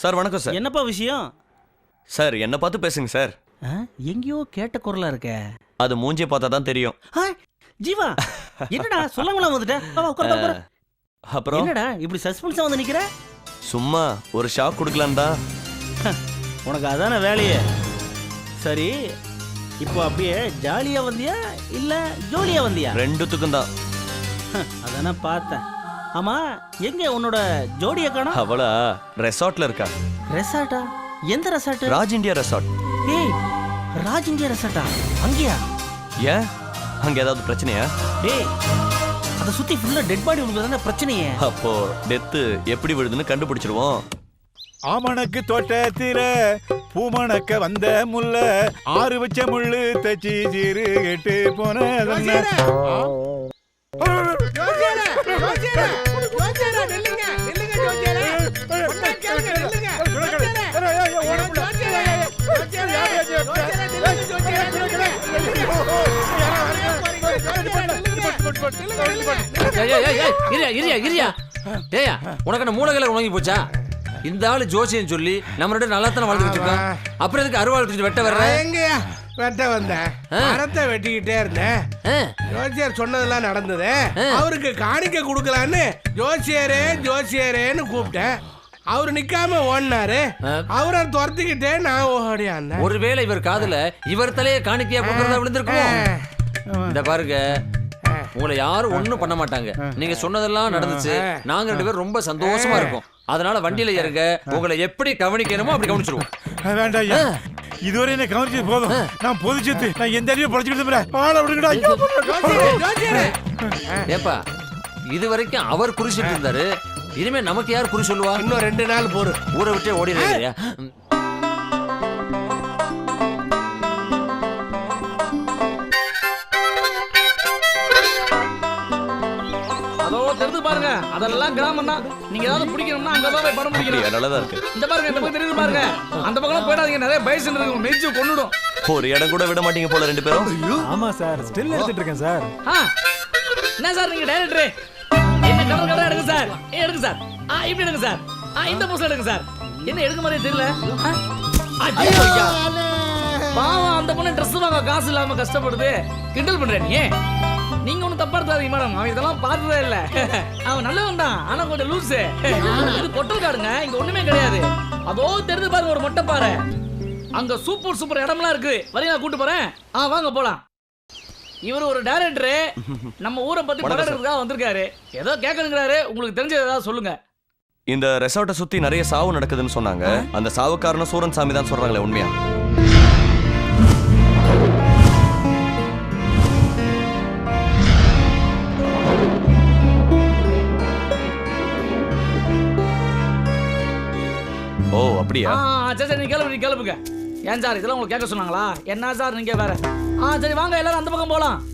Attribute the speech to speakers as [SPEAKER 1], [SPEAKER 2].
[SPEAKER 1] Sir வணக்கம் sir.
[SPEAKER 2] என்னப்பா விஷயம்?
[SPEAKER 1] சார் என்ன பார்த்து பேசுங்க சார்.
[SPEAKER 2] எங்கேயோ கேட்ட குரலா இருக்க.
[SPEAKER 1] அது மூஞ்சியை பார்த்தா தான் தெரியும்.
[SPEAKER 2] ஜீவா என்னடா சொல்லாமல வந்துட்ட? உட்காரு.
[SPEAKER 1] அப்புறம்
[SPEAKER 2] என்னடா இப்படி சஸ்பென்ஸா வந்து நிக்கிற?
[SPEAKER 1] சும்மா ஒரு ஷாக் கொடுக்கலாம் தான்.
[SPEAKER 2] உனக்கு அதான வேலையே. சரி இப்போ அப்படியே ஜாலியா வந்தியா இல்ல ஜோலியா வந்தியா?
[SPEAKER 1] ரெண்டுத்துக்கும் தான்.
[SPEAKER 2] அதானே பார்த்தேன். ஆமா எங்க உன்னோட ஜோடியை காணோம்?
[SPEAKER 1] அவளா ரெசார்ட்ல இருக்கா.
[SPEAKER 2] ரெசார்ட்டா? எந்த ரெசார்ட்?
[SPEAKER 1] Raj India resort.
[SPEAKER 2] ஏய் ராஜ் இந்தியா ரெசார்ட்டா? அங்கயா?
[SPEAKER 1] ஏன் அங்க ஏதாவது பிரச்சனையா?
[SPEAKER 2] ஏய் அத சுத்தி ஃபுல்லா டெட் பாடி உள்ளதான பிரச்சனையே.
[SPEAKER 1] அப்போ டெத் எப்படி விழுதுன்னு கண்டுபிடிச்சிருவோம்.
[SPEAKER 3] ஆமணக்கு தோட்டத்தில பூமணக்க வந்த முல்ல ஆறு வச்ச முள்ளு தச்சி சீரு கெட்டு போன
[SPEAKER 4] உனக்கு என்ன மூலகளை உணங்கி போச்சா? இந்த ஆளு ஜோசியம் சொல்லி நம்ம ரெண்டு நல்லா தானே வாழ்ந்துட்டு இருக்கோம். அப்புறம் எதுக்கு அருவாள் தூக்கி வெட்ட வர்ற?
[SPEAKER 5] எங்கயா வெட்ட வந்தேன்? மரத்தை வெட்டிக்கிட்டே இருந்தேன். ஜோசியர் சொன்னதெல்லாம் நடந்தது. அவருக்கு காணிக்க கொடுக்கலான்னு ஜோசியரேன்னு கூப்பிட்டேன். அவரு நிக்காம ஓடினாரு. அவரை துரத்திக்கிட்டே நான் ஓடியாந்தேன்.
[SPEAKER 4] ஒருவேளை இவர் காதுல இவர் தலையை காணிக்கையா கொடுக்கறதா விழுந்திருக்கும். இந்த பாருங்க, உங்களை யாரும் ஒண்ணும் பண்ண மாட்டாங்க. நீங்க சொன்னதெல்லாம் நடந்துச்சு. நாங்க ரெண்டு பேரும் ரொம்ப சந்தோஷமா இருக்கோம். அதனால வண்டியில ஏறுங்க. உங்களை எப்படி கவனிக்கணுமோ அப்படி கவனிச்சிருவோம்.
[SPEAKER 3] வேண்டாம், இதுவரை என்ன கவனிச்சது போதும். நான் பொதுச்சத்து, நான் எந்த அறிவு படைச்சுக்கிட்டு
[SPEAKER 4] ஏப்பா, இது வரைக்கும் அவர் குறி சொல்லிட்டு இருந்தாரு. இனிமே நமக்கு யார் குறி சொல்லுவா?
[SPEAKER 5] இன்னும் 2 நாள் போரு.
[SPEAKER 4] ஊரை விட்டே ஓடிடுறியா?
[SPEAKER 6] பாருங்க, அதெல்லாம் கிராமம் தான். நீங்க ஏதாவது பிடிக்கணும்னா அங்கதான் போய் படம் பிடிக்கணும்.
[SPEAKER 1] நல்லதா இருக்கு.
[SPEAKER 6] இந்த பாருங்க, இந்த பக்கம் தெரியுது பாருங்க. அந்த பக்கம் போயிடாதீங்க, நிறைய பைசன் இருக்கு, மெய்ச்சு கொன்னுடும்.
[SPEAKER 1] ஒரு இடம் கூட விட மாட்டீங்க போல ரெண்டு பேரும்.
[SPEAKER 3] ஆமா சார், ஸ்டில் எடுத்துட்டு இருக்கேன் சார்.
[SPEAKER 6] என்ன சார் நீங்க டைரக்டர்? என்ன கலர் கலரா எடுங்க சார். எடுங்க சார். இப்படி எடுங்க சார். இந்த போஸ்ல எடுங்க சார். என்ன எடுக்க மாதிரியே தெரியல. ஐயா பாவம், அந்த பொண்ணு ட்ரெஸ் வாங்க காசு இல்லாம கஷ்டப்படுது. கிண்டல் பண்றேன் நீ. நீங்க ஒன்னும் தப்பா எடுத்தாதீங்க மேடம். அவன் இதெல்லாம் பார்த்ததே இல்ல. அவன் நல்லவன் தான், ஆனா கொஞ்சம் லூசு. இது பொட்டல் காடுங்க, இங்க ஒண்ணுமே கிடையாது. அதோ தெரிஞ்சு பாருங்க ஒரு மொட்டை பாரு. அங்க சூப்பர் இடம்லாம் இருக்கு. வரீங்களா? கூட்டு போறேன். வாங்க போலாம். இவர் ஒரு டைரக்டரு, நம்ம ஊரை பத்தி படம் எடுக்கிறதுக்காக வந்திருக்காரு. ஏதோ கேட்கணுங்கிறாரு. உங்களுக்கு தெரிஞ்சது ஏதாவது சொல்லுங்க.
[SPEAKER 1] இந்த ரெசார்ட்டை சுத்தி நிறைய சாவு நடக்குதுன்னு சொன்னாங்க. அந்த சாவுக்காரன சூரன் சாமி தான் சொல்றாங்களே, உண்மையா? ஓ அப்படியா?
[SPEAKER 6] சரி நீ கிளம்புங்க. ஏன் சார் இதெல்லாம் உங்களுக்கு கேட்க சொன்னாங்களா? என்ன சார் நீங்க வேற? சரி வாங்க எல்லாரும் அந்த பக்கம் போலாம்.